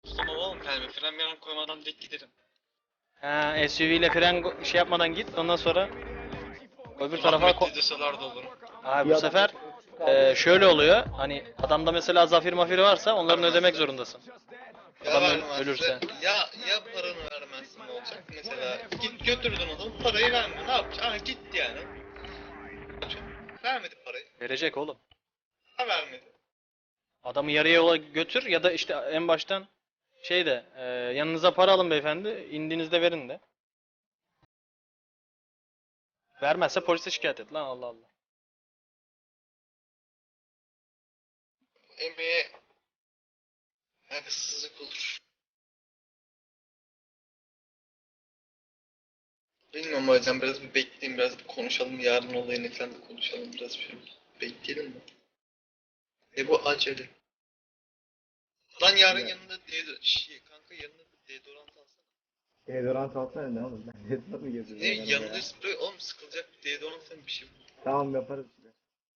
Ama oğlum yani fren koymadan direkt giderim. Ha, SUV ile şey yapmadan git, ondan sonra öbür tarafa Rahmetli deseler de olur. Abi bu sefer şöyle oluyor. Hani adamda mesela zafir mafiri varsa onların ödemek zorundasın. Ya Adam vermezse, ölürse. ya paranı vermezsin ne olacak? Mesela git götürdün adamı, parayı verme. Ne yapacaksın? Ha gitti yani. Vermedi parayı. Verecek oğlum. Ha vermedi. Adamı yarı yola götür ya da işte en baştan yanınıza para alın beyefendi, indiğinizde verin de. Vermezse polise şikayet et lan, Allah Allah. Emeğe haksızlık olur. Bilmiyorum hocam, biraz bir bekleyin, biraz bir konuşalım. Yarın olayını falan da konuşalım, biraz bir bekleyelim mi? Bu acele. Lan yarın yanında kanka yanında deodorant alsana. Deodorant alsana ne oğlum? Ben deodorant mı geziyorum? Ne yanımda yanında ya? sprey oğlum, sıkılacak bir deodorant falan bir şey bul. Tamam yaparız işte.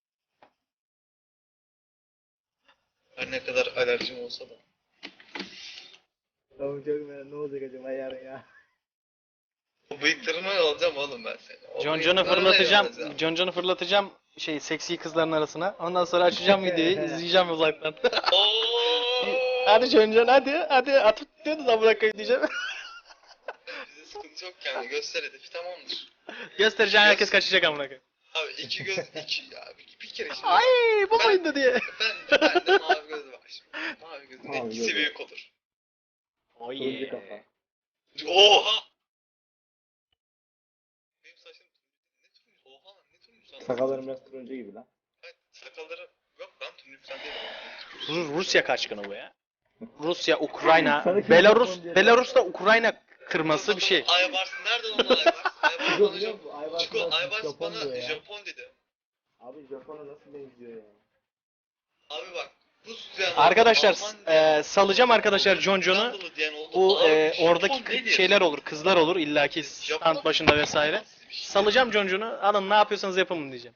Her ne kadar alerjim olsa da. Tamam çok merak, ne olacak acaba yarın ya? O bıyıklarını alacağım oğlum ben seni. O John bıyıklarını fırlatacağım. alacağım. John fırlatacağım seksi kızların arasına. Ondan sonra açacağım videoyu, izleyeceğim uzaktan. Ooo. Hadi John hadi atıp diyorsunuz amına koyayım diyeceğim. Bize sıkıntı yok yani, göster hedefi tamamdır. Göstereceğim, herkes kaçacak amına koyayım. Abi iki göz iki ya bir kere şimdi. Ay bu muydu diye. Ben de mavi göz var şimdi. Mavi gözün Mavi etkisi göz. büyük olur. Oh Turuncu kafa. Oha! Benim saçım ne turuncu? Oha lan, ne turuncu sana? Sakallarım biraz turuncu gibi lan. Hayır, sakalları yok lan, turuncu falan değil. Rusya kaçkını bu ya. Rusya, Ukrayna, Sana kim Belarus, Japon diye- Belarus'ta Ukrayna kırması bir şey. Aybars nereden onun Aybars? Aybars Yok, bana yok, Aybars Çiko, biraz Aybars Japon bana diyor ya. Japon dedi. Abi Japon'a nasıl benziyor ya? Abi bak, Rusya, Arkadaşlar Alman salacağım arkadaşlar John'u. Hollandalı diyen oldu. Bu Abi, Japon oradaki nedir? şeyler olur, kızlar olur illaki stand başında vesaire. Salacağım John'u. Alın ne yapıyorsanız yapın diyeceğim.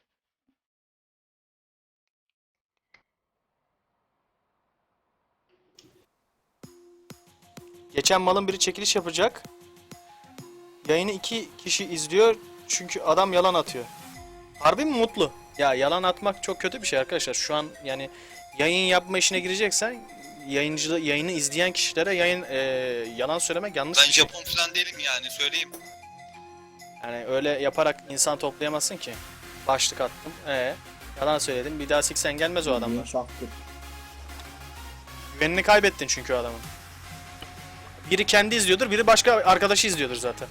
Geçen malın biri çekiliş yapacak. Yayını 2 kişi izliyor çünkü adam yalan atıyor. Harbi mi mutlu? Ya yalan atmak çok kötü bir şey arkadaşlar. Şu an yani yayın yapma işine gireceksen yayını izleyen kişilere yalan söylemek yanlış Ben bir şey. Japon falan değilim yani, söyleyeyim. Yani öyle yaparak insan toplayamazsın ki. Başlık attım. Yalan söyledim. Bir daha siksen gelmez o adamlar. Saftır. Güvenini kaybettin çünkü o adamın. Biri kendi izliyordur, biri başka arkadaşı izliyordur zaten.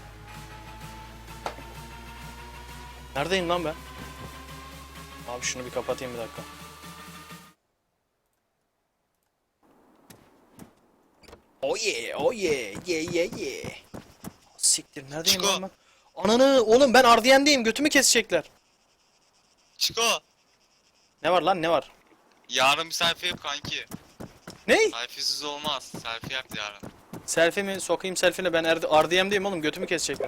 Neredeyim lan ben? Abi şunu bir kapatayım bir dakika. Oh yeah, oh yeah, yeah yeah yeah. Siktir, neredeyim Çiko. lan ben? Ananı, oğlum ben RDN'deyim, götümü kesecekler. Çiko, Ne var lan, ne var? yarın bir selfie yap kanki. Ne? Selfiesiz olmaz. Selfie yap yarın. Selfie mi? Sokayım selfie'ne, ben RDM'deyim oğlum, götümü kesecekler.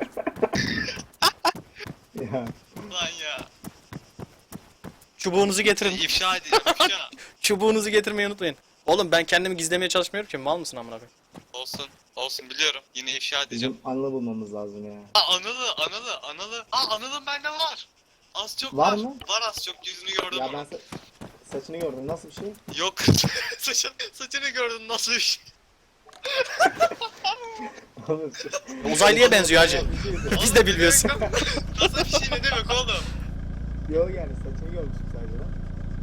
Ya. Lan ya. Çubuğunuzu getirin. İfşa edeceğim, ifşa. Çubuğunuzu getirmeyi unutmayın. Oğlum ben kendimi gizlemeye çalışmıyorum ki, mal mısın amına koyayım? Olsun, olsun biliyorum. Yine ifşa edeceğim. Bizim Anıl'ı bulmamız lazım ya. Anıl'ı. Anıl'ın bende var. Az çok Var mı? Var az çok, yüzünü gördüm Ya ben onun. saçını gördüm, nasıl bir şey? Yok, saçını gördün, nasıl bir şey? Oğlum, Uzaylıya benziyor hacı. bir şey Biz de bilmiyoruz. Nasıl bir şey ne demek oğlum? Yok yani saçını görmüştüm sadece lan.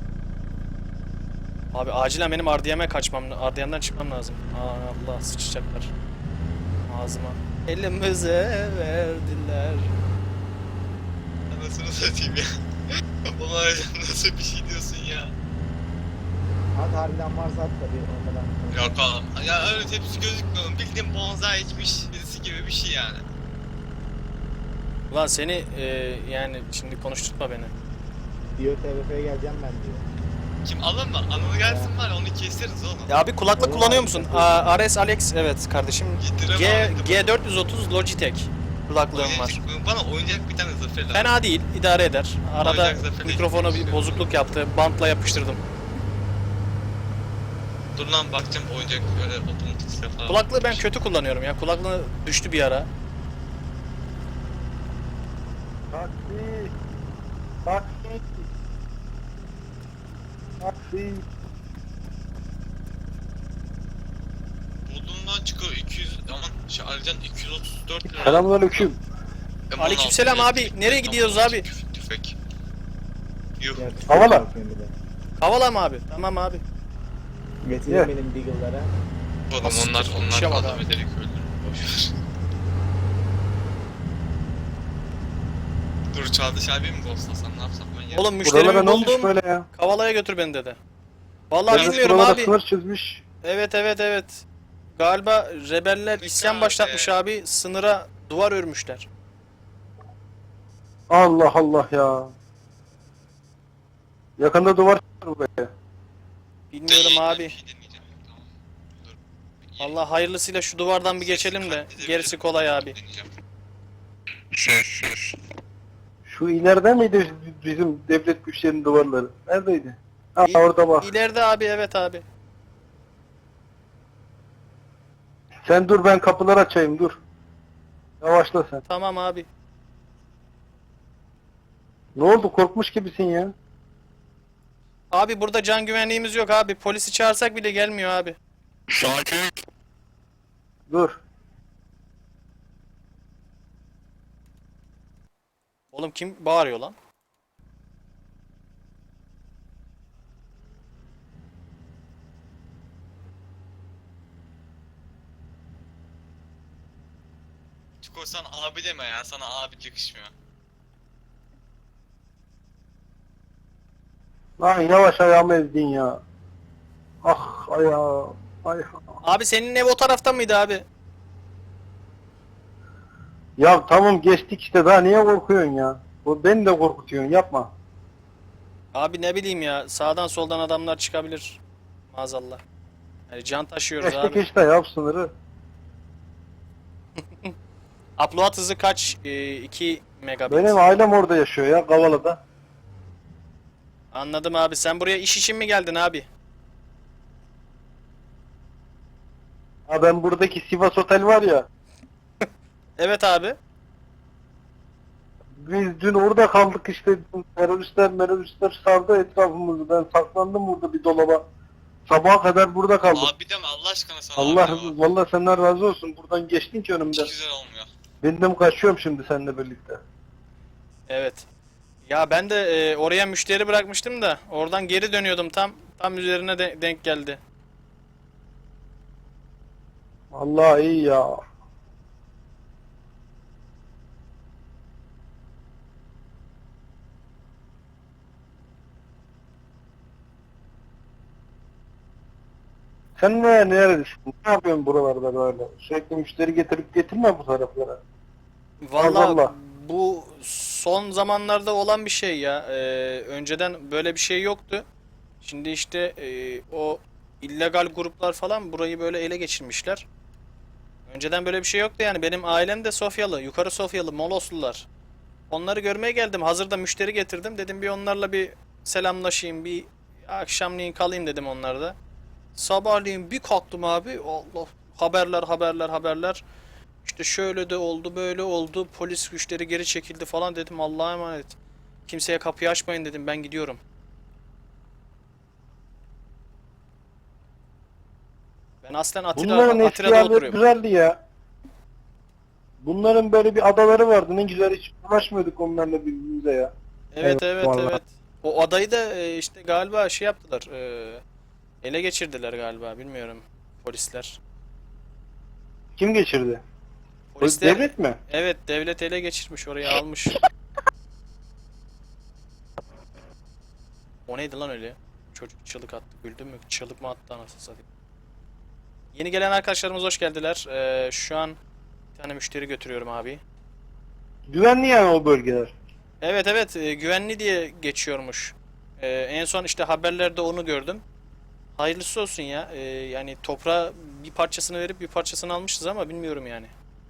Abi acilen benim RDM'den çıkmam lazım. Allah, sıçacaklar. Ağzıma. Elimize verdiler. Anasını satayım ya. Ulan nasıl bir şey diyorsun ya? Hadi harbiden varsa at tabii o kadar. Yok oğlum. Ya öyle hepsi gözükmüyor. Bildiğin bonsai içmiş birisi gibi bir şey yani. Ulan seni yani şimdi konuşturtma beni. Diyor TVF'ye geleceğim ben diyor. Kim, alın mı? Anıl gelsin var, onu keseriz oğlum. Ya abi kulaklık kullanıyor musun? RS Alex, evet kardeşim. Getirem abi. G430 Logitech kulaklığım var. Bana oyuncak bir tane zafer lazım. Fena değil, idare eder. Arada Oyuncak zafer mikrofona bir işte. bozukluk yaptı. Bantla yapıştırdım. Dur lan bakacağım oyuncak böyle otomatik silah falan. Kulaklığı ben kötü kullanıyorum ya. Kulaklığı düştü bir ara. Taksi. Taksi. Taksi. Buldum lan çıkıyor 200 aman şey Alican 234 lira. Selamünaleyküm. M16 Aleykümselam abi. elektrik, Nereye gidiyoruz abi? Tüfek. Yuh. Havala. Kavala mı abi? Tamam abi. Getirin Yeah. benim Deagle'lara. Oğlum onlar İşe bak adam abi. ederek öldürür. Boşver. Dur Çağdaş abi mi ghostlasam ne yapsam ben ya? Oğlum Buralara müşterimi ne olmuş buldum. böyle ya? Kavala'ya götür beni dedi. Vallahi Yalnız bilmiyorum buralara abi. sınır çizmiş. Evet. Galiba rebeller isyan abi. başlatmış abi. Sınıra duvar örmüşler. Allah Allah ya. Yakında duvar çıkar buraya. Bilmiyorum Ben abi. bir şey deneyeceğim. Tamam. Dur. Allah hayırlısıyla şu duvardan bir geçelim de gerisi kolay abi. Deneyeceğim. Şu ileride miydi bizim devlet güçlerinin duvarları? Neredeydi? Ha orada bak. İleride abi, evet abi. Sen dur ben kapıları açayım dur. Yavaşla sen. Tamam abi. Ne oldu korkmuş gibisin ya. Abi burada can güvenliğimiz yok abi. Polisi çağırsak bile gelmiyor abi. Dur. Oğlum kim bağırıyor lan? Çiko sen abi deme ya sana abi yakışmıyor. Lan yavaş ayağımı ezdin ya. Ah ayağım. Ay. Abi senin ev o tarafta mıydı abi? Ya tamam geçtik işte daha niye korkuyorsun ya? Bu beni de korkutuyorsun yapma. Abi ne bileyim ya, sağdan soldan adamlar çıkabilir. Maazallah. Yani can taşıyoruz Geçtik abi. işte yap sınırı. Upload hızı kaç? 2 megabit. Benim ailem orada yaşıyor ya Kavala'da. Anladım abi. Sen buraya iş için mi geldin abi? Ha ben buradaki Sivas Otel var ya. Evet abi. Biz dün orada kaldık işte teröristler sardı etrafımızı. Ben saklandım burada bir dolaba. Sabaha kadar burada kaldım. Abi deme Allah aşkına sana Allah abi deme. vallahi senden razı olsun. Buradan geçtin ki önümden. Hiç güzel olmuyor. Ben de kaçıyorum şimdi seninle birlikte. Evet. Ya ben de oraya müşteri bırakmıştım da oradan geri dönüyordum, tam üzerine denk geldi. Allah iyi ya. Sen neredesin? Ne yapıyorsun buralarda böyle? Sürekli müşteri getirip getirme bu taraflara. Vallahi Allah. bu son zamanlarda olan bir şey ya. Önceden böyle bir şey yoktu. Şimdi işte o illegal gruplar falan burayı böyle ele geçirmişler. Önceden böyle bir şey yoktu yani. Benim ailem de Sofyalı, yukarı Sofyalı, Moloslular. Onları görmeye geldim. Hazırda müşteri getirdim. Dedim bir onlarla bir selamlaşayım, bir akşamleyin kalayım dedim onlarda. Sabahleyin bir kalktım abi. Allah, haberler. İşte şöyle de oldu, böyle oldu. Polis güçleri geri çekildi falan dedim. Allah'a emanet. Kimseye kapıyı açmayın dedim. Ben gidiyorum. Ben aslen Bunların eski Atira'da yerleri oturuyorum. güzeldi ya. Bunların böyle bir adaları vardı. Ne güzel hiç uğraşmıyorduk onlarla birbirimize ya. Evet, vallahi. evet. O adayı da işte galiba şey yaptılar. Ele geçirdiler galiba. Bilmiyorum. Polisler. Kim geçirdi? Polisler, Devlet mi? evet, devlet ele geçirmiş, orayı almış. O neydi lan öyle? Çocuk çığlık attı. Güldün mü? Çığlık mı attı anasını satayım. Yeni gelen arkadaşlarımız hoş geldiler. Şu an bir tane müşteri götürüyorum abi. Güvenli yani o bölgeler. Evet, güvenli diye geçiyormuş. En son işte haberlerde onu gördüm. Hayırlısı olsun ya. Yani toprağa bir parçasını verip bir parçasını almışız ama bilmiyorum yani.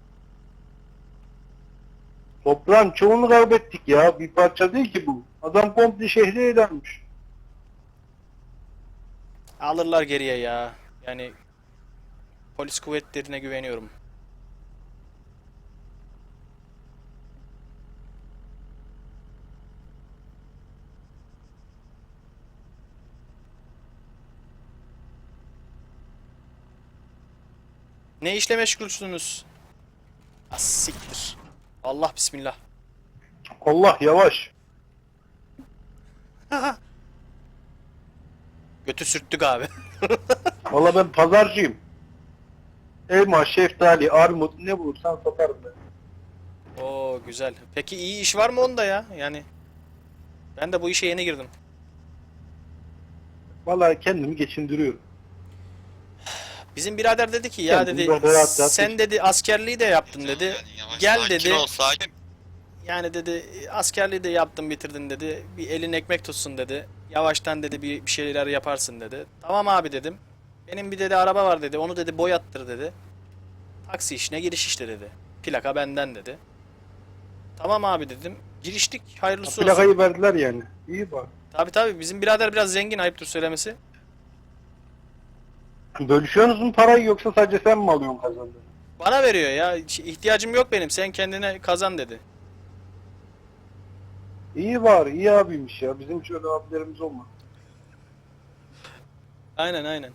Toprağın çoğunu kaybettik ya. Bir parça değil ki bu. Adam komple şehri ele almış. Alırlar geriye ya. Yani polis kuvvetlerine güveniyorum. Ne işle meşgulsünüz? Az siktir. Allah bismillah. Allah yavaş. Götü sürttük abi. Valla ben pazarcıyım. Elma, şeftali, armut ne bulursan satarım ben. Oo güzel. Peki iyi iş var mı onda ya? Yani ben de bu işe yeni girdim. Valla kendimi geçindiriyorum. Bizim birader dedi ki ya Kendim dedi böyle rahat rahat sen dedi askerliği de yaptın dedi. Yani yavaş, Gel sakin dedi. ol, sakin. Yani dedi askerliği de yaptın bitirdin dedi. Bir elin ekmek tutsun dedi. Yavaştan dedi bir şeyler yaparsın dedi. Tamam abi dedim. Benim bir dedi araba var dedi. Onu dedi boyattır dedi. Taksi işine giriş işte dedi. Plaka benden dedi. Tamam abi dedim. Giriştik. Hayırlısı olsun. Plakayı verdiler yani. İyi bak. Tabii tabii bizim birader biraz zengin ayıptır söylemesi. Bölüşüyorsunuz mu parayı yoksa sadece sen mi alıyorsun kazandığını? Bana veriyor ya. İhtiyacım yok benim. Sen kendine kazan dedi. İyi var, iyi abiymiş ya. Bizim hiç öyle abilerimiz olmadı. Aynen aynen.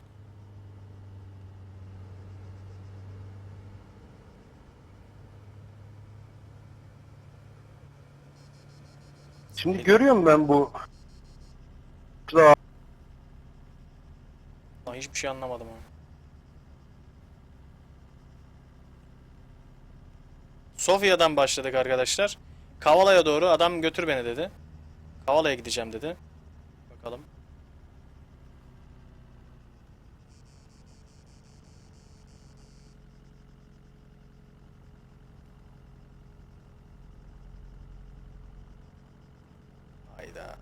Şimdi görüyorum ben bu Lan hiçbir şey anlamadım ama. Sofya'dan başladık arkadaşlar. Kavala'ya doğru adam götür beni dedi. Kavala'ya gideceğim dedi. Bakalım. Hayda.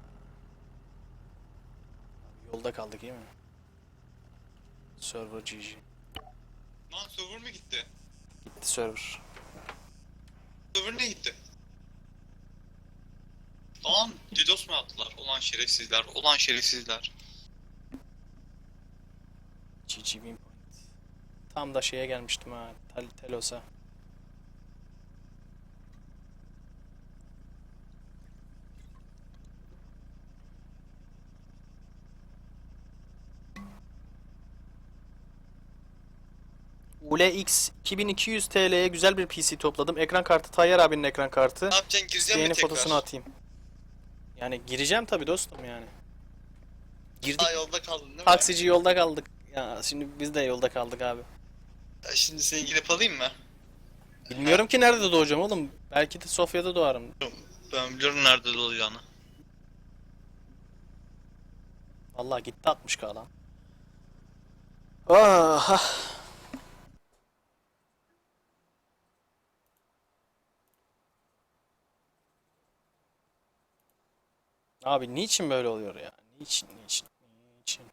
Yolda kaldık değil mi? Server GG. Lan server mı gitti? Gitti server. Server ne gitti? Lan DDoS mu attılar? Ulan şerefsizler, ulan şerefsizler. GG win point. Tam da şeye gelmiştim ha. Telos'a. ULX 2200 TL'ye güzel bir PC topladım. Ekran kartı Tayyar abinin ekran kartı. Ne yapacaksın? Gireceksin mi Yeni tekrar? fotosunu atayım. Yani gireceğim tabii dostum yani. Girdik. Aa, yolda kaldın değil mi? Taksici yolda kaldık. Ya şimdi biz de yolda kaldık abi. Ya şimdi seni gidip alayım mı? Bilmiyorum ki nerede doğacağım oğlum. Belki de Sofya'da doğarım. Ben biliyorum nerede dolacağını. Vallahi gitti 60K lan. Ah. Abi niçin böyle oluyor ya? Niçin?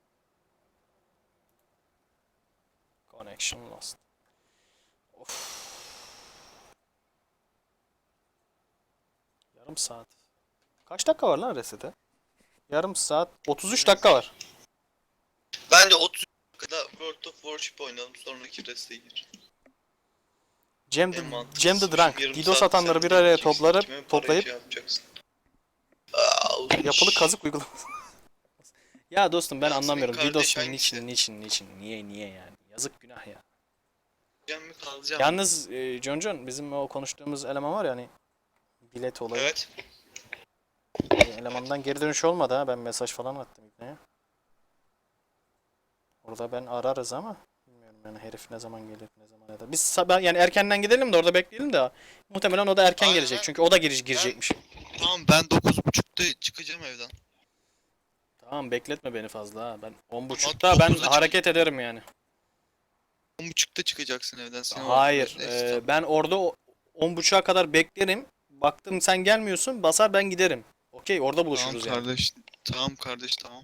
Connection lost. Of. Yarım saat. Kaç dakika var lan resete? Yarım saat. 33 dakika var. Bence 30 dakikada World of Warship oynayalım, sonraki reste gir. Cem En the, mantıklısı. Cem the Drunk. Yarım DDoS saat atanları sen bir araya gideceksin, kime parayı toplayıp şey yapacaksın. yapılı kazık uygulaması. Ya dostum ben Ya senin anlamıyorum. kardeş DDoS hangisi? niçin? Niye yani? Yazık günah ya. Gideceğim mi kalacağım? Yalnız John bizim o konuştuğumuz eleman var ya hani bilet olayı. Evet. Elemandan geri dönüş olmadı ha. Ben mesaj falan attım İbne'ye. Orada ben ararız ama bilmiyorum yani herif ne zaman gelir ne zaman ya da. Biz yani erkenden gidelim de orada bekleyelim de muhtemelen o da erken Aynen. gelecek. Çünkü o da girecekmiş. Tamam, ben 9.30'da çıkacağım evden. Tamam bekletme beni fazla ha. Ben Ama 10.30'da ben 9'da hareket ederim yani. 10.30'da çıkacaksın evden. Seni Hayır. Neyse, tamam. Ben orada 10.30'a kadar beklerim. Baktım sen gelmiyorsun. Basar ben giderim. Okey orada buluşuruz Tamam yani. kardeş. Tamam kardeş, tamam.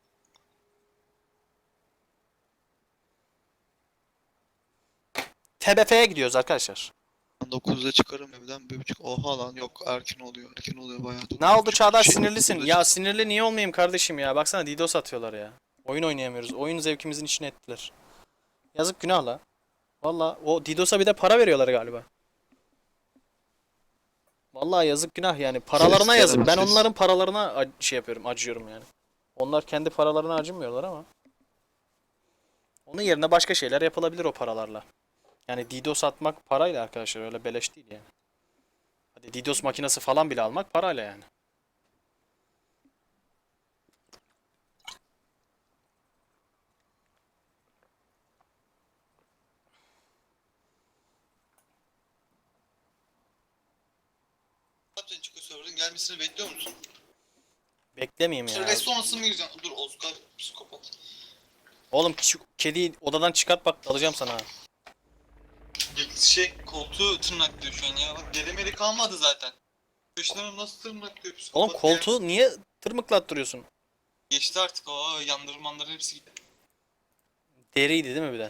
TBF'ye gidiyoruz arkadaşlar. Ben 9'da çıkarım evden, 1.30. Oha lan, yok erken oluyor bayağı. Ne oldu Çağdaş Şey, sinirlisin? 9'da Ya çık- sinirli niye olmayayım kardeşim ya? Baksana DDoS atıyorlar ya. Oyun oynayamıyoruz. Oyun zevkimizin içine ettiler. Yazık günah la. Valla o Didos'a bir de para veriyorlar galiba. Vallahi yazık günah yani. Paralarına Ses yazık. Ben canım, ses. onların paralarına şey yapıyorum, acıyorum yani. Onlar kendi paralarına acımıyorlar ama. Onun yerine başka şeyler yapılabilir o paralarla. Yani DDoS atmak parayla arkadaşlar, öyle beleş değil yani. Hadi DDoS makinesi falan bile almak parayla yani. Ne yapacaksın Çiko server'ın gelmesini bekliyor musun? Beklemeyeyim ya. Sonra sonrasını mı gireceksin? Dur Oscar psikopat. Oğlum şu kediyi odadan çıkart bak, alacağım sana. ha. Koltuğu tırnaklıyor şu an ya. Bak delemeli kalmadı zaten. Köşelerini nasıl tırnaklıyor psikopat Oğlum ya. koltuğu niye tırmıklattırıyorsun? Geçti artık o yandırmanların hepsi gitti. Deriydi değil mi bir de?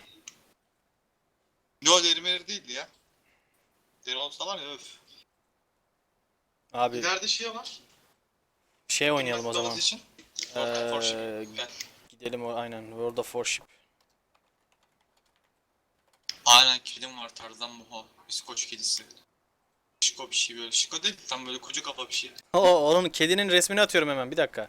Yo derimeleri değildi ya. Deri olsa var ya öf. Abi İleride şey var. şey oynayalım o Davası zaman. için. Warship. Gel. Gidelim o aynen. World of Warship. Aynen kedim var Tarzan Muho. İskoç kedisi. Şiko bir şey böyle. Şiko değil tam böyle koca kafa bir şey. Onun kedinin resmini atıyorum hemen, bir dakika.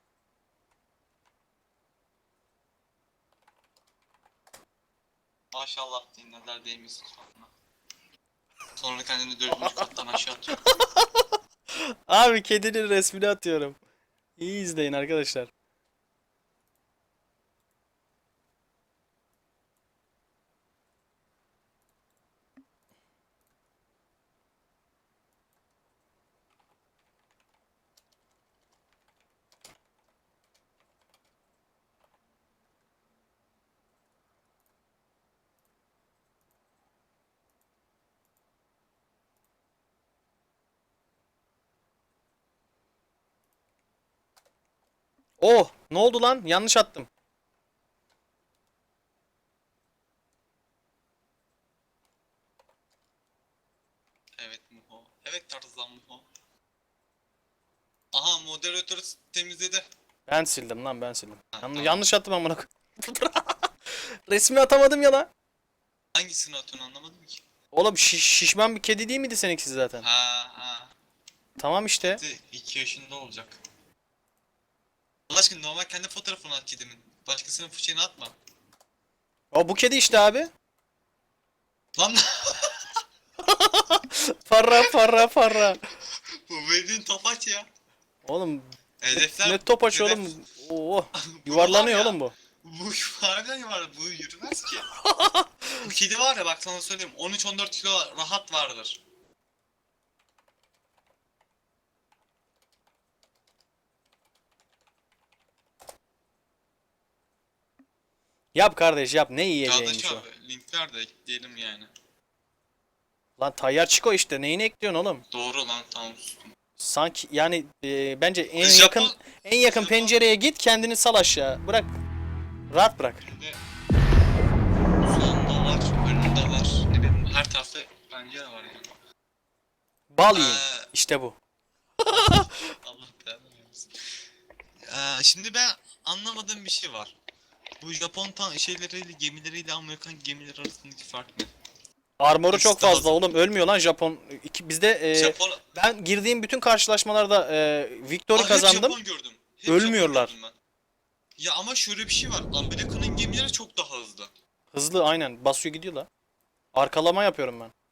Maşallah deyin nazar değmesin sonra. Sonra kendini dördüncü kattan aşağı atıyor. Abi kedinin resmini atıyorum. İyi izleyin arkadaşlar. Oh, ne oldu lan? Yanlış attım. Evet Muho. Evet Tarzan Muho. Aha moderatörü temizledi. Ben sildim lan, ben sildim. Tamam. Yanlış attım amına koyayım. Resmi atamadım ya lan. Hangisini atıyorsun anlamadım ki. Oğlum şişman bir kedi değil miydi seninkisi zaten? Ha. Tamam işte. 2 yaşında olacak. Allah aşkına normal kendi fotoğrafını at kedimin. Başkasının fıçığını atma. O bu kedi işte abi. Lan Farra. bu verdiğin topaç ya. Oğlum Hedefler... ne topaç hedef- oğlum. Oo, Bu yuvarlanıyor var ya, oğlum bu. Bu harbiden var, bu yürümez ki. Bu kedi var ya bak sana söyleyeyim 13-14 kilo rahat vardır. Yap kardeş yap, ne yiyeceğiymiş Kardeş o. abi linkler de ekleyelim yani. Lan tayyar Chico işte, neyini ekliyorsun oğlum? Doğru lan tamam sustum. Sanki yani bence en Japon- yakın Japon- pencereye git, kendini sal aşağı. Bırak. Rahat bırak. Şimdi solunda var, önünde var. Ne bileyim her tarafta pencere var yani. Bal yiyin. Ee, İşte bu. Allah belanı versin. Şimdi ben anlamadığım bir şey var. Bu Japon şeyleriyle gemileriyle Amerikan gemileri arasındaki fark ne? Armoru çok İşte fazla hazır. oğlum, ölmüyor lan Japon. Bizde Japon... ben girdiğim bütün karşılaşmalarda Victory Hep kazandım. Japon gördüm. Hep Ölmüyorlar. Japon gördüm ben. Ya ama şöyle bir şey var. Amerika'nın gemileri çok daha hızlı. Hızlı aynen, basıyor gidiyor la. Arkalama yapıyorum ben.